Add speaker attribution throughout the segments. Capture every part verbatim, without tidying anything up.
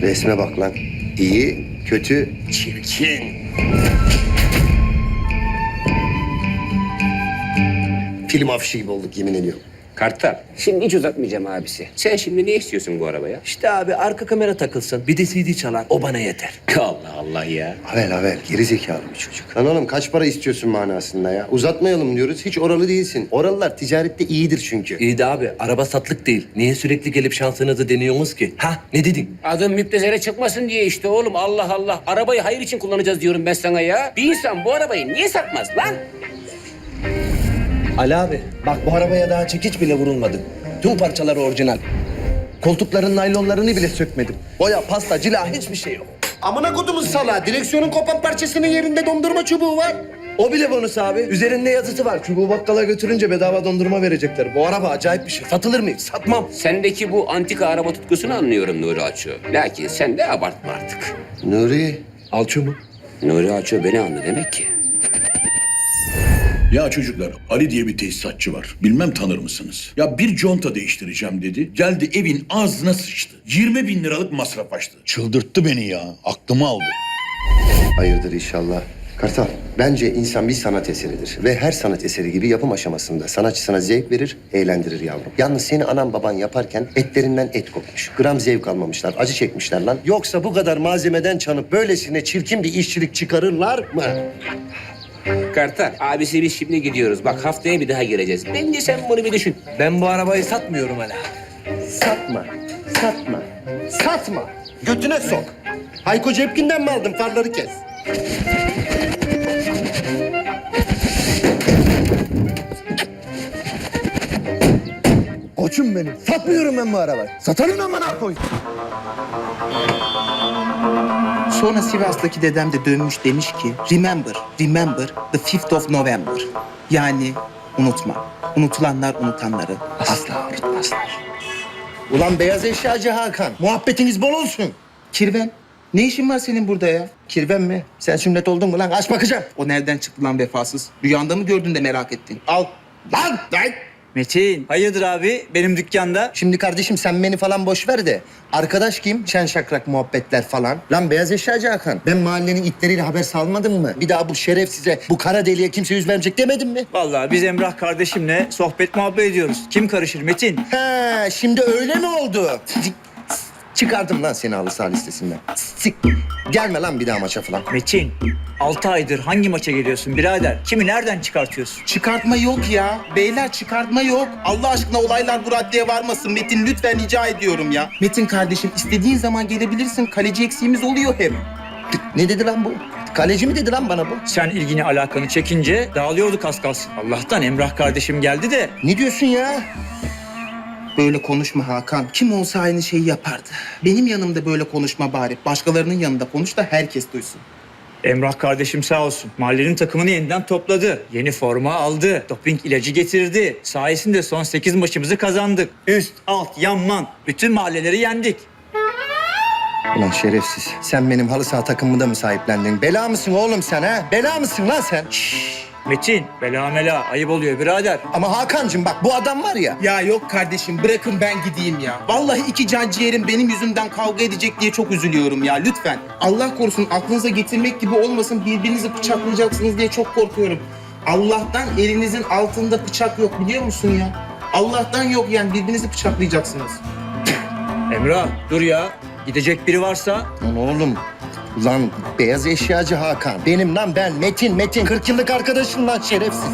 Speaker 1: Resme bak lan. İyi, kötü, çirkin. Film afişi gibi olduk yemin ediyorum.
Speaker 2: Kartal, şimdi hiç uzatmayacağım abisi. Sen şimdi ne istiyorsun bu arabaya?
Speaker 3: İşte abi arka kamera takılsın. Bir de C D çalar. O bana yeter.
Speaker 2: Allah Allah ya.
Speaker 1: Havel havel, geri zekalı bir çocuk. Lan oğlum kaç para istiyorsun manasında ya? Uzatmayalım diyoruz, hiç oralı değilsin. Oralılar ticarette iyidir çünkü.
Speaker 3: İyi de abi araba satlık değil. Niye sürekli gelip şansınızı deniyorsunuz ki? Ha ne dedin?
Speaker 2: Adım müptezele çıkmasın diye işte oğlum. Allah Allah. Arabayı hayır için kullanacağız diyorum ben sana ya. Bir insan bu arabayı niye satmaz lan?
Speaker 3: Ali abi bak bu arabaya daha çekiç bile vurulmadı. Tüm parçaları orijinal. Koltukların naylonlarını bile sökmedim. Boya, pasta, cila hiçbir şey yok.
Speaker 1: Amına kodumun salağı, direksiyonun kopan parçasının yerinde dondurma çubuğu var.
Speaker 3: O bile bonus abi. Üzerinde yazısı var. Çubuğu bakkala götürünce bedava dondurma verecekler. Bu araba acayip bir şey. Satılır mı? Satmam.
Speaker 2: Sendeki bu antika araba tutkusunu anlıyorum Nuri Aço. Lakin sen de abartma artık.
Speaker 1: Nuri,
Speaker 3: Alço mu?
Speaker 2: Nuri Aço beni anlı demek ki.
Speaker 4: Ya çocuklar, Ali diye bir tesisatçı var. Bilmem tanır mısınız? Ya bir conta değiştireceğim dedi. Geldi evin ağzına sıçtı. yirmi bin liralık masraf açtı. Çıldırttı beni ya. Aklımı aldı.
Speaker 1: hayırdır inşallah. Kartal, bence insan bir sanat eseridir. Ve her sanat eseri gibi yapım aşamasında sanatçısına zevk verir, eğlendirir yavrum. Yalnız seni anan baban yaparken etlerinden et kopmuş. Gram zevk almamışlar, acı çekmişler lan. Yoksa bu kadar malzemeden çanıp böylesine çirkin bir işçilik çıkarırlar mı?
Speaker 2: Kartal, abisi biz şimdi gidiyoruz. Bak haftaya bir daha geleceğiz. Bence sen bunu bir düşün.
Speaker 3: Ben bu arabayı satmıyorum Ali.
Speaker 1: Satma, satma, satma. Götüne sok. Hayko Cepkin'den mi aldın? Farları kes.
Speaker 3: Koçum benim. Satmıyorum ben bu arabayı. Satarım amına koy.
Speaker 5: Sonra Sivas'taki dedem de dönmüş demiş ki remember, remember the fifth of November. Yani unutma. Unutulanlar unutanları asla unutmazlar.
Speaker 1: Ulan beyaz eşyacı Hakan, muhabbetiniz bol olsun.
Speaker 5: Kirven, ne işin var senin burada ya?
Speaker 1: Kirven mi? Sen sünnet oldun mu lan? Aç bakacağım.
Speaker 5: O nereden çıktı lan vefasız? Rüyanda mı gördün de merak ettin?
Speaker 1: Al. Lan! Lan!
Speaker 6: Metin, hayırdır abi benim dükkanda?
Speaker 1: Şimdi kardeşim sen beni falan boş ver de. Arkadaş kim? Şen şakrak muhabbetler falan. Lan beyaz eşyacı Hakan. Ben mahallenin itleriyle haber salmadım mı? Bir daha bu şerefsize, bu kara deliğe kimse yüz vermeyecek demedim mi?
Speaker 6: Vallahi biz Emrah kardeşimle sohbet muhabbet ediyoruz. Kim karışır Metin?
Speaker 1: He, şimdi öyle mi oldu? Çıkardım lan seni halı saha listesinden. Sik. Gelme lan bir daha maça falan.
Speaker 6: Metin, altı aydır hangi maça geliyorsun birader? Kimi nereden çıkartıyorsun?
Speaker 5: Çıkartma yok ya. Beyler çıkartma yok. Allah aşkına olaylar bu raddeye varmasın. Metin lütfen rica ediyorum ya. Metin kardeşim istediğin zaman gelebilirsin. Kaleci eksiğimiz oluyor hep.
Speaker 1: Ne dedi lan bu? Kaleci mi dedi lan bana bu?
Speaker 6: Sen ilgini alakanı çekince dağılıyorduk az kalsın. Allah'tan Emrah kardeşim geldi de.
Speaker 1: Ne diyorsun ya?
Speaker 5: Böyle konuşma Hakan. Kim olsa aynı şeyi yapardı. Benim yanımda böyle konuşma bari. Başkalarının yanında konuş da herkes duysun.
Speaker 6: Emrah kardeşim sağ olsun. Mahallenin takımını yeniden topladı. Yeni forma aldı. Doping ilacı getirdi. Sayesinde son sekiz maçımızı kazandık. Üst, alt, yanman. Bütün mahalleleri yendik.
Speaker 1: Ulan şerefsiz. Sen benim halı saha takımımı da mı sahiplendin? Bela mısın oğlum sen ha? Bela mısın lan sen? Şşş.
Speaker 6: Metin, bela mela ayıp oluyor birader.
Speaker 1: Ama Hakan'cığım bak bu adam var ya.
Speaker 5: Ya yok kardeşim bırakın ben gideyim ya. Vallahi iki can ciğerim benim yüzümden kavga edecek diye çok üzülüyorum ya lütfen. Allah korusun aklınıza getirmek gibi olmasın birbirinizi bıçaklayacaksınız diye çok korkuyorum. Allah'tan elinizin altında bıçak yok biliyor musun ya? Allah'tan yok yani birbirinizi bıçaklayacaksınız.
Speaker 6: Emrah dur ya. Gidecek biri varsa
Speaker 1: Lan oğlum. Ulan beyaz eşyacı Hakan. Benim lan ben Metin Metin. kırk yıllık arkadaşım lan şerefsiz.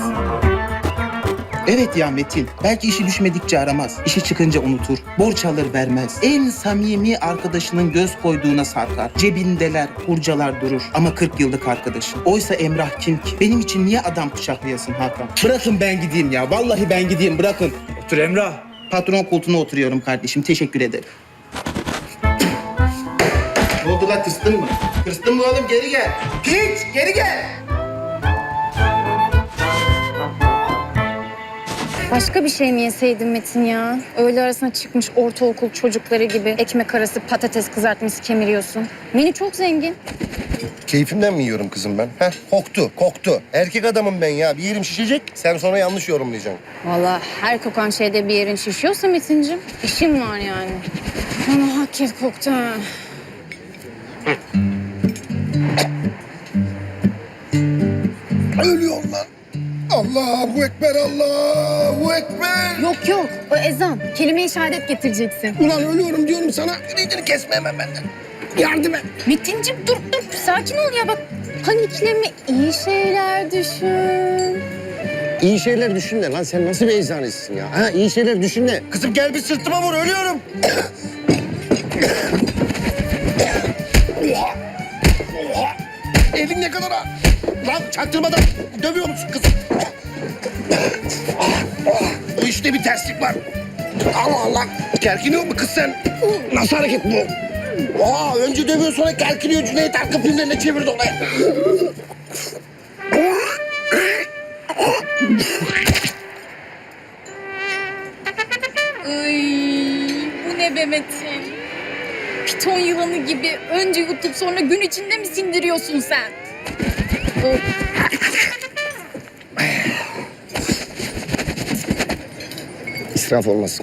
Speaker 5: Evet ya Metin. Belki işi düşmedikçe aramaz. İşi çıkınca unutur. Borç alır vermez. En samimi arkadaşının göz koyduğuna sarkar. Cebindeler, kurcalar durur. Ama kırk yıllık arkadaşım. Oysa Emrah kim ki? Benim için niye adam bıçaklayasın Hakan? Bırakın ben gideyim ya. Vallahi ben gideyim bırakın.
Speaker 6: otur Emrah.
Speaker 5: Patron koltuğuna oturuyorum kardeşim. Teşekkür ederim. Ne oldu lan tırstın mı? Tırstın mı oğlum? Geri gel. Piç geri gel.
Speaker 7: Başka bir şey mi yeseydin Metin ya? Öğle arasına çıkmış ortaokul çocukları gibi ekmek arası patates kızartması kemiriyorsun. Menü çok zengin.
Speaker 1: Keyfimden mi yiyorum kızım ben? Heh, koktu, koktu. Erkek adamım ben ya. Bir yerim şişecek, sen sonra yanlış yorumlayacaksın.
Speaker 7: Vallahi her kokan şeyde bir yerin şişiyorsa Metin'cim işin var yani. Ama hak et koktu ha.
Speaker 8: Ölüyorum lan. Allahu Ekber, Allahu Ekber.
Speaker 7: Yok yok o ezan. Kelime-i şehadet getireceksin.
Speaker 8: Ulan ölüyorum diyorum sana. Ümidini kesme hemen benden. Yardım et.
Speaker 7: Metin'cim dur dur sakin ol ya bak. Panikleme iyi şeyler düşün.
Speaker 1: İyi şeyler düşün de lan, sen nasıl bir eczanesin ya? Ha, iyi şeyler düşün de.
Speaker 8: Kızım gel bir sırtıma vur, ölüyorum. Oha. Oha. Elin ne kadar ha? Lan çaktırmadan dövüyor musun kızım? Bu işte bir terslik var. Allah Allah. Kerkiniyor mu kız sen? Nasıl hareket bu? Aa, önce dövüyor sonra kerkiniyor. Cüneyt Arkın filmlerine çevirdi olaya.
Speaker 7: Ay, bu ne be Metin? Piton yılanı gibi önce yutup sonra gün içinde mi sindiriyorsun sen? Of.
Speaker 1: İsraf olmasın.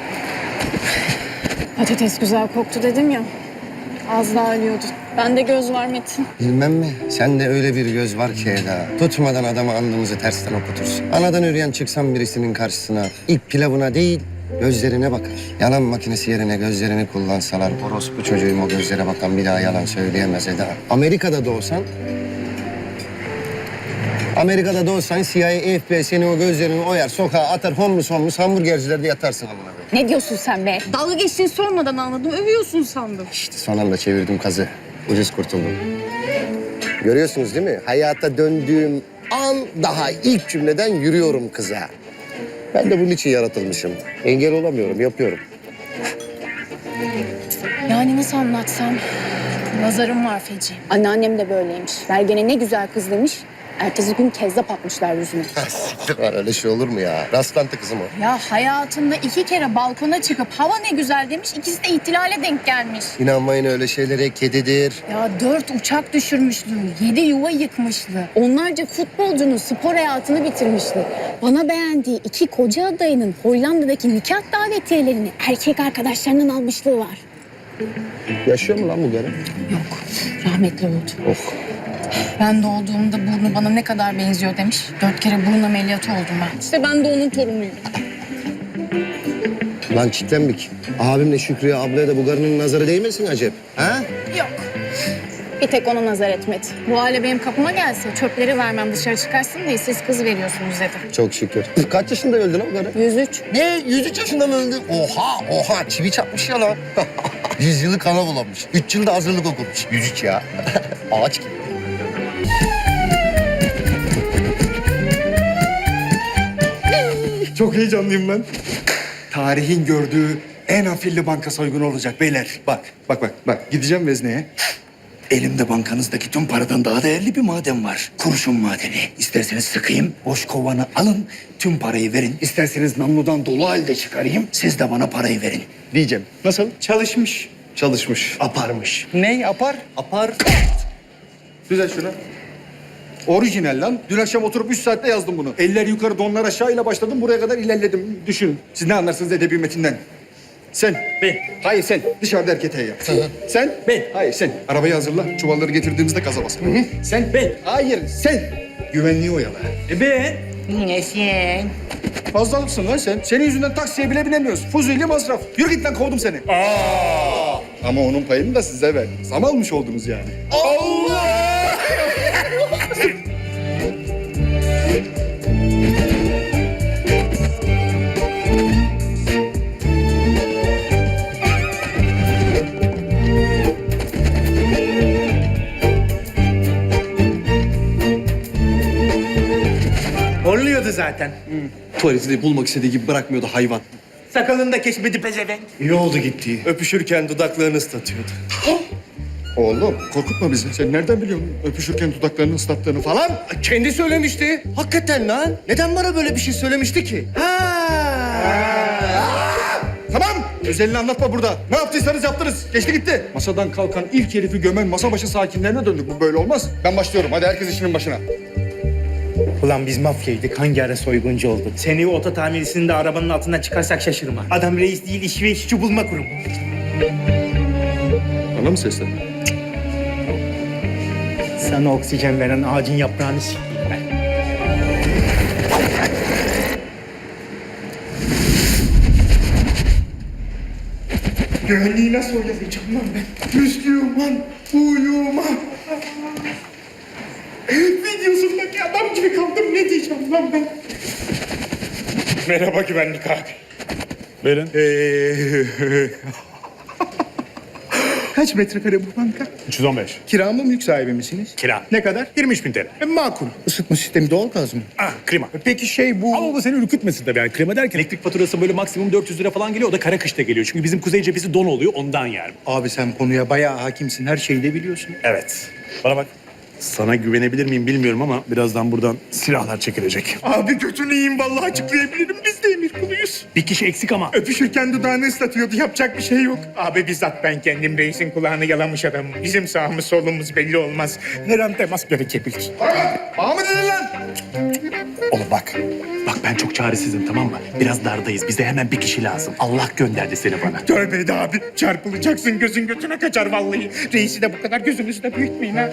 Speaker 7: Patates güzel koktu dedim ya. Az daha ölüyordu. Bende göz var Metin.
Speaker 1: Bilmem mi? Sende öyle bir göz var ki Eda. Tutmadan adamı alnımızı tersten okutursun. Anadan üreyen çıksan birisinin karşısına ilk pilavına değil gözlerine bakar. Yalan makinesi yerine gözlerini kullansalar orospu çocuğum o gözlere bakan bir daha yalan söyleyemez Eda. Amerika'da doğsan Amerika'da doğsan C I A, F B I seni o gözlerini oyar, sokağa atar, homeless homeless hamburgercilerde yatarsın amına koyayım.
Speaker 7: Ne diyorsun sen be? Dalga geçtiğini sormadan anladım. Övüyorsun sandım.
Speaker 1: İşte son anda çevirdim kazı. Ucuz kurtuldum. Görüyorsunuz değil mi? Hayata döndüğüm an daha ilk cümleden yürüyorum kıza. Ben de bunun için yaratılmışım. Engel olamıyorum, yapıyorum.
Speaker 7: Yani nasıl anlatsam? Nazarım var feci. Anneannem de böyleymiş. Vergene ne güzel kız demiş. Ertesi gün kezzap atmışlar yüzüne.
Speaker 1: Siktir var, öyle şey olur mu ya? Rastlantı kızım o.
Speaker 7: Ya hayatında iki kere balkona çıkıp hava ne güzel demiş. İkisi de ihtilale denk gelmiş.
Speaker 1: İnanmayın öyle şeylere, kedidir.
Speaker 7: Ya dört uçak düşürmüşlü, yedi yuva yıkmışlı. Onlarca futbolcunun spor hayatını bitirmişti. Bana beğendiği iki koca adayının Hollanda'daki nikah davetiyelerini erkek arkadaşlarından almışlığı var.
Speaker 1: Yaşıyor mu lan bu garip?
Speaker 7: Yok, rahmetli oldu.
Speaker 1: Oh.
Speaker 7: Ben doğduğumda burnu bana ne kadar benziyor demiş. Dört kere burun ameliyatı oldum ben. İşte ben de onun torunuyum.
Speaker 1: Lan çitlenmik. Abimle Şükrü'ye, ablaya da bu garının nazarı değmesin acep. Ha?
Speaker 7: Yok. Bir tek ona nazar etmedi. Bu hale benim kapıma gelse çöpleri vermem dışarı çıkarsın diye siz kız veriyorsunuz dedi.
Speaker 1: Çok şükür. Kaç yaşında öldü lan o garı?
Speaker 7: yüz üç.
Speaker 1: Ne? yüz üç yaşında mı öldü? Oha, oha. Çivi çakmış ya lan. yüz yılı kana bulamış. üç yılda hazırlık okumuş. yüz üç ya. Ağaç gibi.
Speaker 9: Çok heyecanlıyım ben. Tarihin gördüğü en afilli banka soygunu olacak beyler. Bak, bak, bak, bak. Gideceğim vezneye. Elimde bankanızdaki tüm paradan daha değerli bir maden var. Kurşun madeni. İsterseniz sıkayım, boş kovanı alın, tüm parayı verin. İsterseniz namludan dolu halde çıkarayım, siz de bana parayı verin. Diyeceğim. Nasıl? Çalışmış. Çalışmış. Aparmış. Ne apar? Apar. Güzel şunu. Orijinal lan. Dün akşam oturup üç saatte yazdım bunu. Eller yukarı, donlar aşağı ile başladım. Buraya kadar ilerledim. Düşünün. Siz ne anlarsınız edebi metinden? Sen.
Speaker 6: Ben.
Speaker 9: Hayır sen. Dışarıda erkete yap. Sen.
Speaker 6: Ben.
Speaker 9: Hayır sen. Arabayı hazırla. Çuvalları getirdiğimizde gaza bas. Sen.
Speaker 6: Ben.
Speaker 9: Hayır sen. Güvenliği oyala.
Speaker 6: E ben.
Speaker 7: Yine sen.
Speaker 9: Fazlalıksın lan sen. Senin yüzünden taksiye bile binemiyoruz. Fuzuli masraf. Yürü git lan kovdum seni. Aa! Ama onun payını da size ver. Zam almış oldunuz yani. Allah!
Speaker 6: Horluyordu zaten.
Speaker 3: Tuvaleti de bulmak istediği gibi bırakmıyordu hayvan.
Speaker 6: Sakalını da kesmedi pezevenk.
Speaker 9: İyi oldu gitti.
Speaker 3: Öpüşürken dudaklarını ıslatıyordu.
Speaker 9: Oğlum korkutma bizi. Sen nereden biliyorsun öpüşürken dudaklarını ıslattığını falan?
Speaker 3: Kendi söylemişti. Hakikaten lan. Neden bana böyle bir şey söylemişti ki?
Speaker 9: Tamam. Özelini anlatma burada. Ne yaptıysanız yaptınız. Geçti gitti. Masadan kalkan ilk herifi gömen masa başı sakinlerine döndük. Bu böyle olmaz. Ben başlıyorum. Hadi herkes işinin başına.
Speaker 6: Ulan biz mafyaydık. Hangi ara soyguncu olduk? Seni oto tamircisini de arabanın altından çıkarsak şaşırma. Adam reis değil, iş ve işçi bulma kurumu.
Speaker 9: Bana mı seslendin?
Speaker 6: Sana oksijen veren ağacın yaprağını sikeyim ben. Güvenliği nasıl oyalayacağım lan ben? Müslüman uyuma. Videosundaki adam gibi kaldım, ne diyeceğim lan ben? Merhaba güvenlik abi.
Speaker 9: Buyurun.
Speaker 6: Ee, Kaç metrekare bu banka?
Speaker 9: üç yüz on beş.
Speaker 6: Kira mı, mülk sahibi misiniz?
Speaker 9: Kira.
Speaker 6: Ne kadar?
Speaker 9: yirmi üç bin T L.
Speaker 6: E, makul. Isıtma sistemi doğalgaz mı?
Speaker 9: Ah, klima.
Speaker 6: Peki şey bu...
Speaker 9: Ama bu seni ürkütmesin tabii. Yani klima derken elektrik faturası böyle maksimum dört yüz lira falan geliyor. O da kara kışta geliyor. Çünkü bizim kuzey cephesi don oluyor. Ondan yani.
Speaker 6: Abi sen konuya bayağı hakimsin. Her şeyi de biliyorsun.
Speaker 9: Evet. Bana bak. Sana güvenebilir miyim bilmiyorum ama birazdan buradan silahlar çekilecek.
Speaker 6: Abi götünü yiyeyim, vallahi açıklayabilirim. Biz de emir kuluyuz.
Speaker 9: Bir kişi eksik ama.
Speaker 6: Öpüşürken dudağını ıslatıyordu. Yapacak bir şey yok. Abi bizzat ben kendim reisin kulağını yalamış adamım. Bizim sağımız solumuz belli olmaz. Her an temas gerekebilir.
Speaker 9: Bana mı dedin lan? Oğlum bak. Bak ben çok çaresizim, tamam mı? Biraz dardayız. Bize hemen bir kişi lazım. Allah gönderdi seni bana.
Speaker 6: Tövbe de abi. Çarpılacaksın, gözün götüne kaçar vallahi. Reisi de bu kadar gözünüzü de büyütmeyin ha.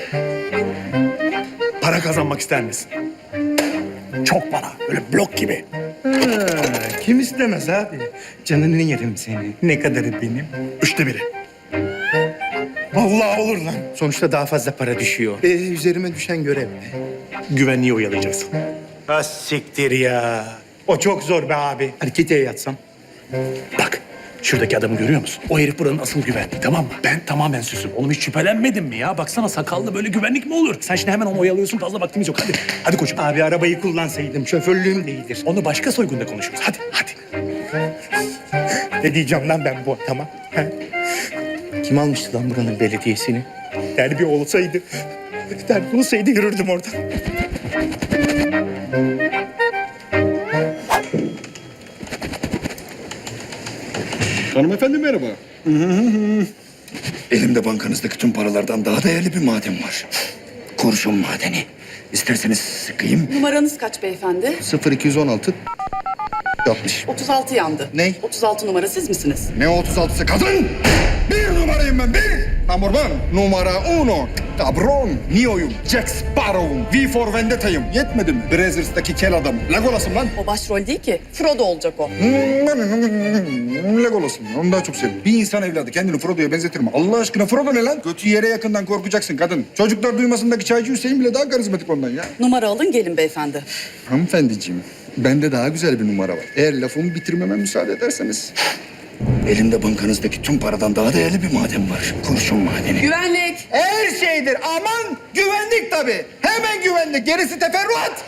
Speaker 9: Para kazanmak ister misin? Çok para. Böyle blok gibi.
Speaker 6: Kim istemez abi? Canını yerim seni. Ne kadarı benim?
Speaker 9: Üçte biri.
Speaker 6: Vallahi olur lan. Sonuçta daha fazla para düşüyor. Ee, üzerime düşen görev ne?
Speaker 9: Güvenliği oyalayacaksın.
Speaker 6: Ha siktir ya. O çok zor be abi. Harekete yatsam.
Speaker 9: Bak. Şuradaki adamı görüyor musun? O herif buranın asıl güvenliği, tamam mı? Ben tamamen süsüm. Oğlum hiç şüphelenmedin mi ya? Baksana sakallı böyle güvenlik mi olur? Sen şimdi hemen onu oyalıyorsun. Fazla vaktimiz yok. Hadi. Hadi koçum.
Speaker 6: Abi arabayı kullansaydım. Şoförlüğüm de iyidir.
Speaker 9: Onu başka soygunda konuşuruz. Hadi, hadi.
Speaker 6: Ne diyeceğim lan ben bu adama? Ha? Kim almıştı lan buranın belediyesini? Terbiye olsaydı, terbiye olsaydı yürürdüm oradan.
Speaker 8: Hanımefendi merhaba. Elimde bankanızdaki tüm paralardan daha değerli bir maden var. Kurşun madeni. İsterseniz sıkayım.
Speaker 10: Numaranız kaç beyefendi?
Speaker 8: sıfır iki yüz on altı altmış.
Speaker 10: otuz altı yandı.
Speaker 8: Ne?
Speaker 10: otuz altı numara siz misiniz?
Speaker 8: Ne otuz altısı kadın? Bir numarayım ben, bir. Number one. Numara uno. Cabron. Neo'yum. Jack Sparrow'um. V for Vendetta'yım. Yetmedi mi? Brazzers'taki kel adam. Legolas'ım lan.
Speaker 10: O başrol değil ki. Frodo olacak o.
Speaker 8: Legolas'ım. Onu daha çok seviyorum. Bir insan evladı kendini Frodo'ya benzetir mi? Allah aşkına Frodo ne lan? Götü yere yakından korkacaksın kadın. Çocuklar duymasındaki çaycı Hüseyin bile daha karizmatik ondan ya.
Speaker 10: Numara alın gelin beyefendi.
Speaker 8: Hanımefendiciğim, bende daha güzel bir numara var. Eğer lafımı bitirmeme müsaade ederseniz. Elimde bankanızdaki tüm paradan daha değerli bir maden var. Kurşun madeni.
Speaker 10: Güvenlik.
Speaker 3: Her şeydir. Aman güvenlik tabii. Hemen güvenlik. Gerisi teferruat.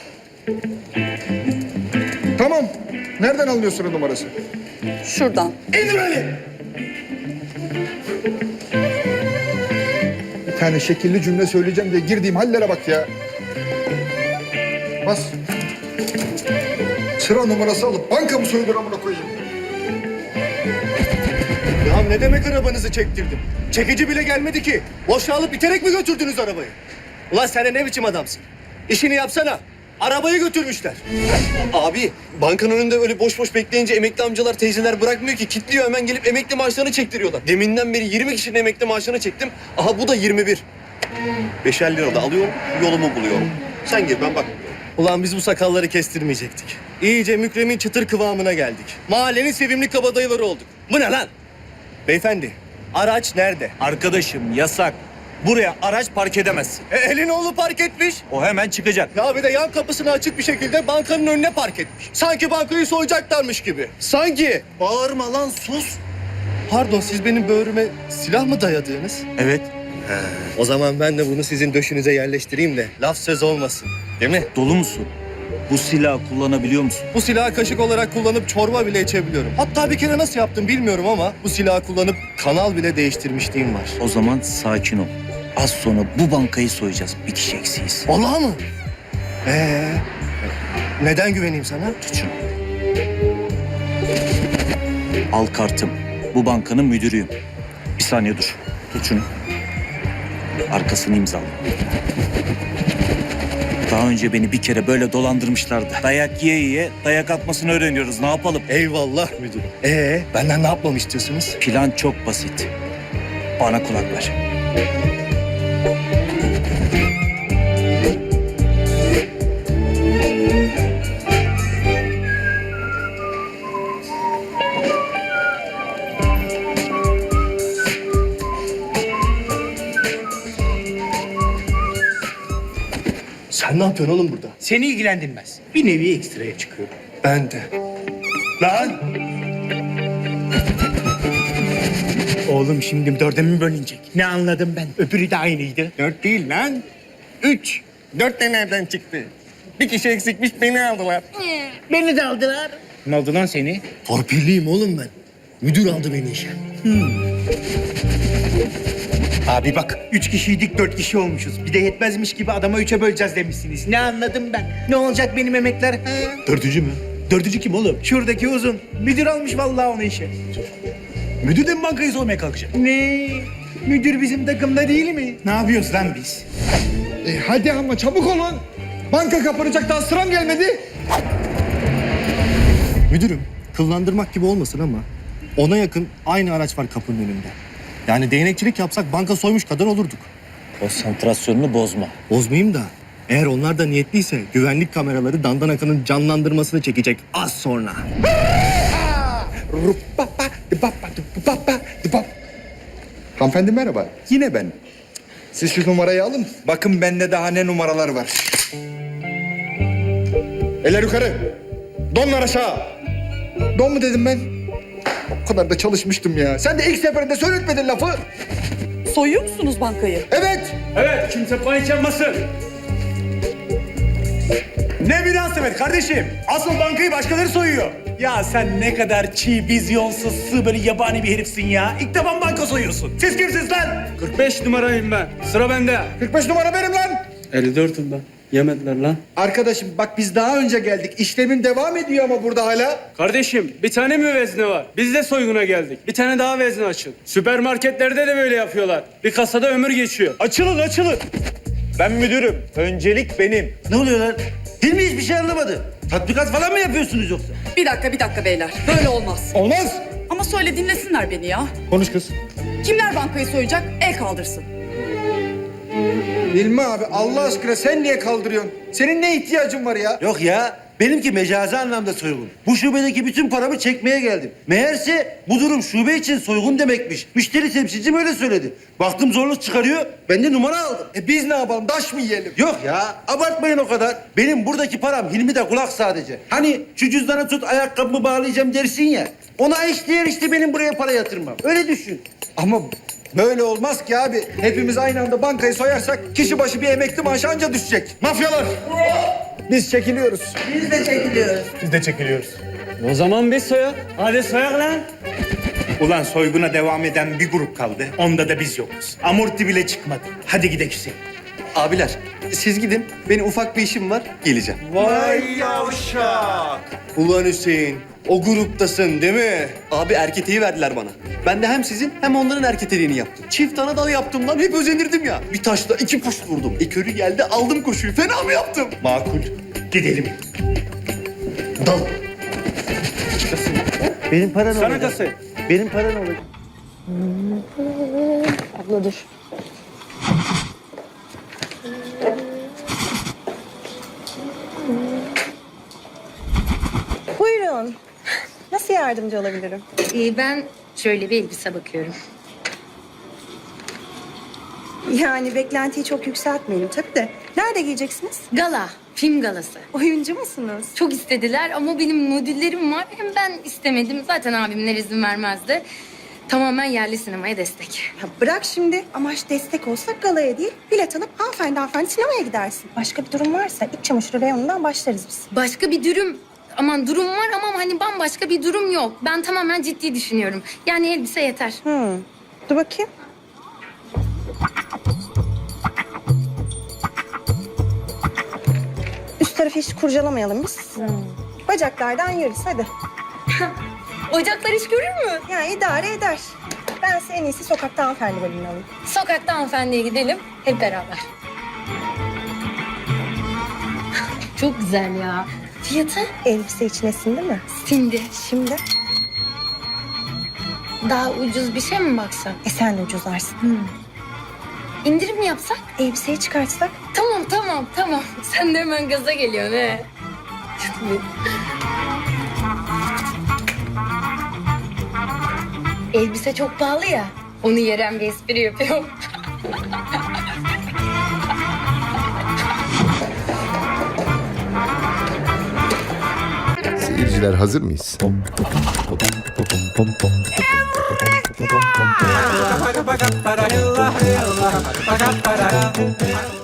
Speaker 8: Tamam. Nereden alıyorsun o numarası?
Speaker 10: Şuradan.
Speaker 8: İndir beni. Bir tane şekilli cümle söyleyeceğim diye girdiğim hallere bak ya. Bas. Sıra numarası alıp bankamı soydur amına koyayım.
Speaker 3: Ya ne demek arabanızı çektirdim? Çekici bile gelmedi ki. Boşa alıp iterek mi götürdünüz arabayı? Ulan sen ne biçim adamsın? İşini yapsana. Arabayı götürmüşler. Abi bankanın önünde öyle boş boş bekleyince emekli amcalar teyzeler bırakmıyor ki. Kitliyor, hemen gelip emekli maaşlarını çektiriyorlar. Deminden beri yirmi kişinin emekli maaşını çektim. Aha bu da yirmi bir. Beşer lira da alıyorum, yolumu buluyorum. Sen gir, ben bakmıyorum. Ulan biz bu sakalları kestirmeyecektik. İyice Mükremin çıtır kıvamına geldik. Mahallenin sevimli kabadayıları olduk. Bu ne lan? Beyefendi, araç nerede?
Speaker 6: Arkadaşım yasak. Buraya araç park edemezsin.
Speaker 3: E, elin oğlu park etmiş.
Speaker 6: O hemen çıkacak.
Speaker 3: Ya bir de yan kapısını açık bir şekilde bankanın önüne park etmiş. Sanki bankayı soyacaklarmış gibi. Sanki. Bağırma lan, sus. Pardon, siz benim böğrüme silah mı dayadınız?
Speaker 6: Evet.
Speaker 3: O zaman ben de bunu sizin döşünüze yerleştireyim de laf söz olmasın. Değil mi?
Speaker 6: Dolu musun? Bu silahı kullanabiliyor musun?
Speaker 3: Bu silahı kaşık olarak kullanıp çorba bile içebiliyorum. Hatta bir kere nasıl yaptım bilmiyorum ama bu silahı kullanıp kanal bile değiştirmişliğim var.
Speaker 11: O zaman sakin ol. Az sonra bu bankayı soyacağız. Bir kişi eksiyiz.
Speaker 3: Vallahi mı? Ee, neden güveneyim sana?
Speaker 11: Tut şunu. Al kartım. Bu bankanın müdürüyüm. Bir saniye dur. Tut şunu. Arkasını imzala. Daha önce beni bir kere böyle dolandırmışlardı. Dayak yiye yiye dayak atmasını öğreniyoruz. Ne yapalım?
Speaker 3: Eyvallah müdürüm. Ee, benden ne yapmamı istiyorsunuz?
Speaker 11: Plan çok basit. Bana kulak ver.
Speaker 3: Sen ne yapıyorsun oğlum burada?
Speaker 5: Seni ilgilendirmez. Bir nevi ekstraya çıkıyorum.
Speaker 3: Ben de.
Speaker 5: Lan! Oğlum şimdi dörde mi bölünecek? Ne anladım ben? Öbürü de aynıydı.
Speaker 9: Dört değil lan. Üç. Dört de nereden çıktı? Bir kişi eksikmiş beni aldılar.
Speaker 5: Beni de aldılar. Ne oldu lan seni?
Speaker 3: Torpilliyim oğlum ben. Müdür aldı beni işe.
Speaker 5: Abi bak, üç kişiydik, dört kişi olmuşuz. Bir de yetmezmiş gibi adama üçe böleceğiz demişsiniz. Ne anladım ben? Ne olacak benim emekler? Ha?
Speaker 4: Dördüncü mü? Dördüncü kim oğlum?
Speaker 5: Şuradaki uzun. Müdür almış vallahi onu işe.
Speaker 4: Müdür de mi bankayı soymaya kalkacak?
Speaker 5: Ne? Müdür bizim takımda değil mi? Ne yapıyoruz lan biz?
Speaker 8: E hadi ama çabuk olun. Banka kapanacak, daha sıram gelmedi.
Speaker 3: Müdürüm, kıllandırmak gibi olmasın ama ona yakın aynı araç var kapının önünde. Yani değnekçilik yapsak banka soymuş kadar olurduk.
Speaker 11: Konsantrasyonunu bozma.
Speaker 3: Bozmayayım da eğer onlar da niyetliyse güvenlik kameraları Dandan Akan'ın canlandırmasını çekecek az sonra.
Speaker 8: Rupapa, dipapa, dipapa, dipap. Hanımefendi merhaba. Yine ben. Siz şu numarayı alın. Bakın bende daha ne numaralar var. Eller yukarı. Donlar aşağı. Don mu dedim ben? O kadar da çalışmıştım ya. Sen de ilk seferinde söyletmedin lafı.
Speaker 10: Soyuyor musunuz bankayı?
Speaker 8: Evet.
Speaker 6: Evet, kimse panik yapmasın. Ne münasebet kardeşim. Asıl bankayı başkaları soyuyor. Ya sen ne kadar çiğ, vizyonsuz, sığ böyle yabani bir herifsin ya. İlk defa banka soyuyorsun. Siz kimsiniz lan?
Speaker 12: kırk beş numarayım ben. Sıra bende.
Speaker 8: kırk beş numara benim lan.
Speaker 12: elli dörtüm ben. Yemediler lan.
Speaker 8: Arkadaşım bak biz daha önce geldik. İşlemin devam ediyor ama burada hala.
Speaker 12: Kardeşim bir tane mi vezne var? Biz de soyguna geldik. Bir tane daha vezne açın. Süpermarketlerde de böyle yapıyorlar. Bir kasada ömür geçiyor.
Speaker 6: Açılın, açılın. Ben müdürüm. Öncelik benim.
Speaker 11: Ne oluyor lan? Hilmi hiçbir şey anlamadı. Tatbikat falan mı yapıyorsunuz yoksa?
Speaker 10: Bir dakika, bir dakika beyler. Böyle olmaz.
Speaker 8: Olmaz.
Speaker 10: Ama söyle dinlesinler beni ya.
Speaker 8: Konuş kız.
Speaker 10: Kimler bankayı soyacak? El kaldırsın.
Speaker 8: Hilmi abi Allah aşkına sen niye kaldırıyorsun? Senin ne ihtiyacın var ya?
Speaker 11: Yok ya. Benimki mecazi anlamda soygun. Bu şubedeki bütün paramı çekmeye geldim. Meğerse bu durum şube için soygun demekmiş. Müşteri temsilcim öyle söyledi. Baktım zorluk çıkarıyor. Ben de numara aldım.
Speaker 8: E biz ne yapalım? Daş mı yiyelim?
Speaker 11: Yok ya, abartmayın o kadar. Benim buradaki param Hilmi'de kulak sadece. Hani şu cüzdanı tut, ayakkabımı bağlayacağım dersin ya. Ona eşdeğer işte benim buraya para yatırmam. Öyle düşün.
Speaker 8: Ama böyle olmaz ki abi. Hepimiz aynı anda bankayı soyarsak kişi başı bir emekli maaşı anca düşecek. Mafyalar! Biz çekiliyoruz.
Speaker 10: Biz de çekiliyoruz.
Speaker 6: Biz de çekiliyoruz.
Speaker 12: O zaman biz soyak.
Speaker 6: Hadi soyak lan.
Speaker 5: Ulan soyguna devam eden bir grup kaldı. Onda da biz yokuz. Amorti bile çıkmadı. Hadi gidelim Hüseyin.
Speaker 3: Abiler siz gidin. Benim ufak bir işim var. Geleceğim.
Speaker 8: Vay yavşak!
Speaker 3: Ulan Hüseyin, o gruptasın değil mi? Abi erketeği verdiler bana. Ben de hem sizin hem onların erketeliğini yaptım. Çift ana dal yaptım lan, hep özenirdim ya. Bir taşla iki kuş vurdum. Ekörü geldi, aldım koşuyu. Fena mı yaptım?
Speaker 5: Makul. Gidelim.
Speaker 3: Dal.
Speaker 11: Benim param
Speaker 12: Sana
Speaker 11: olacak.
Speaker 12: kasayı.
Speaker 11: Benim param olacak.
Speaker 7: Abla dur.
Speaker 13: Buyurun. Nasıl yardımcı olabilirim?
Speaker 7: Ee, ben şöyle bir elbise bakıyorum.
Speaker 13: Yani beklentiyi çok yükseltmeyelim tabii de. Nerede giyeceksiniz?
Speaker 7: Gala, film galası.
Speaker 13: Oyuncu musunuz?
Speaker 7: Çok istediler ama benim modüllerim var. Hem ben istemedim. Zaten abimler izin vermezdi. Tamamen yerli sinemaya destek.
Speaker 13: Ya bırak şimdi. Amaç destek olsa galaya değil, bilet alıp hanımefendi hanımefendi sinemaya gidersin. Başka bir durum varsa iç çamaşırı reyonundan başlarız biz.
Speaker 7: Başka bir durum, aman durum var ama hani bambaşka bir durum yok. Ben tamamen ciddi düşünüyorum. Yani elbise yeter.
Speaker 13: Hmm. Dur bakayım. Üst tarafı hiç kurcalamayalım biz. Bacaklardan yürüs hadi.
Speaker 7: Ocaklar iş görür mü?
Speaker 13: Yani idare eder. Ben size en iyisi sokakta hanımefendi bölümünü alayım.
Speaker 7: Sokakta hanımefendiye gidelim hep beraber. Çok güzel ya. Fiyatı?
Speaker 13: Elbise içine sindi mi?
Speaker 7: Sindi.
Speaker 13: Şimdi
Speaker 7: Daha ucuz bir şey mi baksak?
Speaker 13: e sen de ucuzlarsın.
Speaker 7: İndirim mi yapsak?
Speaker 13: Elbiseyi çıkartsak
Speaker 7: Tamam tamam tamam. Sen de hemen gaza geliyorsun he. Elbise çok pahalı ya. Onu yeren bir espri yapıyorum.
Speaker 14: öğrenciler hazır mıyız?